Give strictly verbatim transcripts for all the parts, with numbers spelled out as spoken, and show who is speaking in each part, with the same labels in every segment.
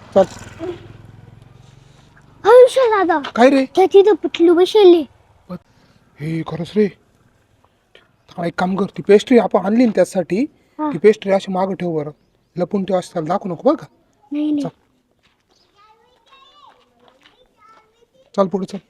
Speaker 1: चल.
Speaker 2: हर्षा दादा
Speaker 1: काय रे?
Speaker 2: त्या तिथं पिटलू बसले.
Speaker 1: हे खरंच रे. हा, एक काम कर, ती पेस्ट्री आपण आणली ना त्यासाठी,
Speaker 2: हा.
Speaker 1: ती पेस्ट्री अशी मागं ठेव बरं. लपून ठेव, असं दाखवू नको बरं का.
Speaker 2: नाही नाही.
Speaker 1: चल. चल पुढे चल.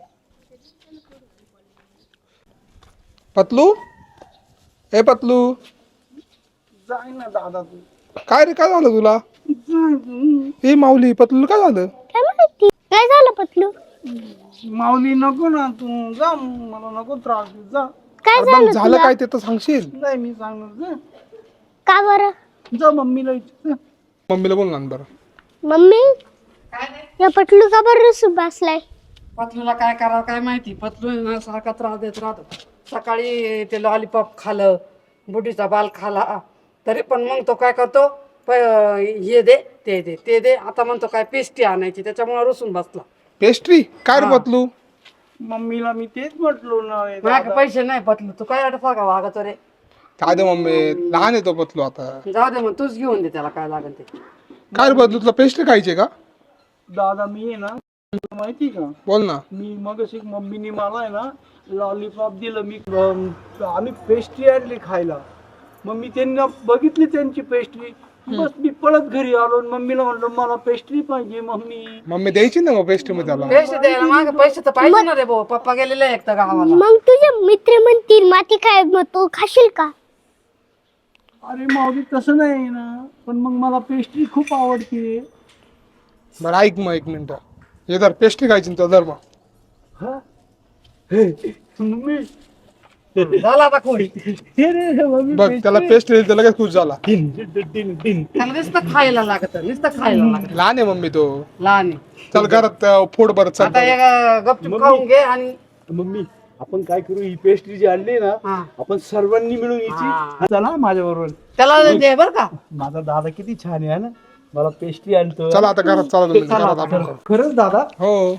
Speaker 1: पतलू, ए पतलू.
Speaker 3: जाय ना दादा तू.
Speaker 1: काय रे, काय झालं तुला? ए माऊली, पतलू काय झालं?
Speaker 2: काय माहिती काय झालं पतलू?
Speaker 3: माऊली नको ना तू जा, मला नको त्रास देऊ, जा.
Speaker 2: काय
Speaker 1: अरे
Speaker 2: झालं
Speaker 1: पण झालं
Speaker 2: तुला?
Speaker 1: काय ते तर सांगशील.
Speaker 3: नाही मी सांगणार जा.
Speaker 2: का बरं?
Speaker 3: जा मम्मीला विचार जा.
Speaker 1: मम्मीला बोल ना बरं.
Speaker 2: मम्मी या पटलू का बरं रुसून बसलाय?
Speaker 4: पतलूला काय करावं काय माहिती. पतलू ना सारखा त्रास देत राहतो. सकाळी ते लॉलीपॉप खालं, बुढीचा बाल खाला, तरी पण मग तो काय करतो, प हे दे ते दे ते दे. आता म्हणतो काय पेस्ट्री आणायची, त्याच्यामुळे रुसून बसला.
Speaker 1: पेस्ट्री काय रे पतलू?
Speaker 3: मम्मीला मी तेच म्हटलो ना रे
Speaker 4: माझ्याकडे
Speaker 3: दादा.
Speaker 4: पैसे नाही पतलू, तू काय वाटत का वागायचो रे.
Speaker 1: काय दे मम्मी, लहान येतो पतलू आता.
Speaker 4: जाऊ दे मग, तूच घेऊन दे त्याला काय लागेल ते.
Speaker 1: काय रे पतलू, तुला पेस्ट्री खायची का?
Speaker 3: दादा मी आहे ना, तुला माहिती का,
Speaker 1: बोल ना.
Speaker 3: मी मग मम्मीने मला आहे ना लॉलीपॉप दिलं. मी अं, आम्ही पेस्ट्री आणली खायला. मग मी त्यांना बघितली त्यांची पेस्ट्री, बस मी पळत घरी आलो आणि मम्मीला म्हणलो मला पेस्ट्री पाहिजे मम्मी.
Speaker 1: मम्मी द्यायची ना मग पेस्ट्री मध्ये त्याला.
Speaker 4: पैसे द्यायला मागे पैसे तर पाहिजे ना रे भाऊ. पप्पा गेलेले एक तर गावाला.
Speaker 2: मग तुझे मित्र म्हणतील माती काय, मग तू खाशील का?
Speaker 3: अरे माऊली तसं नाही ना, पण मग मला पेस्ट्री खूप आवडते.
Speaker 1: बरं ऐक मग एक मिनिट, हे धर पेस्ट्री खायची ना धर मग.
Speaker 3: हा? हे, मम्मी
Speaker 4: झाला आता खोडी.
Speaker 3: हे रे, हे मम्मी
Speaker 1: बघ त्याला पेस्ट्री दिली तर लगेच खुश झाला.
Speaker 3: दिन, दिन, दिन, दिन.
Speaker 4: त्याला नुसतं खायला लागत, नुसतं खायला लागत.
Speaker 1: लहान आहे मम्मी तो.
Speaker 4: लहान आहे.
Speaker 1: चल घरात अं, फोड बरं चल.
Speaker 4: आता एक गपचूप खाऊन घे आणि
Speaker 3: मम्मी आपण काय करू, ही पेस्ट्री जी आणली ना
Speaker 4: हा.
Speaker 3: आपण सर्वांनी मिळून
Speaker 4: हा.
Speaker 3: यायची. चला माझ्या बरोबर.
Speaker 4: त्याला दे बर का.
Speaker 3: माझा दादा किती छान आहे ना, मला पेस्ट्री आणतो.
Speaker 1: चला आता घरात चला तुम्ही,
Speaker 4: चला
Speaker 1: घरात
Speaker 4: आता,
Speaker 1: आपण
Speaker 3: खरं- खरंच दादा.
Speaker 1: हो.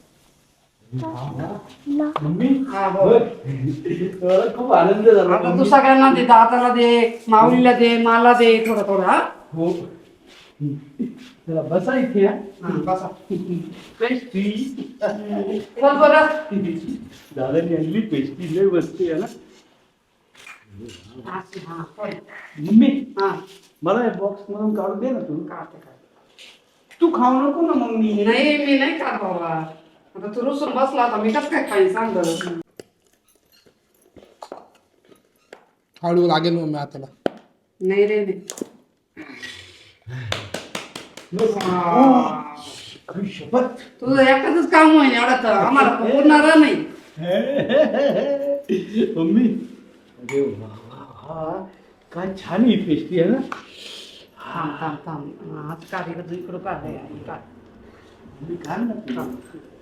Speaker 3: मम्मी
Speaker 4: हा, भाऊ.
Speaker 3: मला खूप आनंद झाला.
Speaker 4: आता तू सगळ्यांना दे, दादाला दे, माऊलीला दे, मला दे, थोडं थोडं. हा
Speaker 3: हो. चला बसा इथे. हा.
Speaker 4: हा, बसा.
Speaker 3: पेस्ट्री
Speaker 4: चल बरं.
Speaker 3: दादाने आणली पेस्ट्री, लय बसते ना.
Speaker 4: हा, हा, होय.
Speaker 3: मम्मी
Speaker 4: हा,
Speaker 3: मला बॉक्स मधून काढून दे ना तू.
Speaker 4: काढते, काढते.
Speaker 3: तू खाऊ नको ना मम्मी.
Speaker 4: नाही मी नाही खात बाबा. आता तू रुसून बसला, आता मी कसं काय खाईन सांग बरं.
Speaker 1: हळू लागेल मम्मी हाताला.
Speaker 4: नाही रे नाही.
Speaker 3: खरी शपथ.
Speaker 4: तुझं एकटाच काम होईल एवढा तर आम्हाला पुरणार नाही.
Speaker 3: मम्मी अरे वा वा वा, काय छान ही पेस्ट्री आहे ना.
Speaker 4: थांब थांब थांब. आज काढ इकडं, तू इकडं काढ. हे काढ.
Speaker 3: मम्मी, काय ना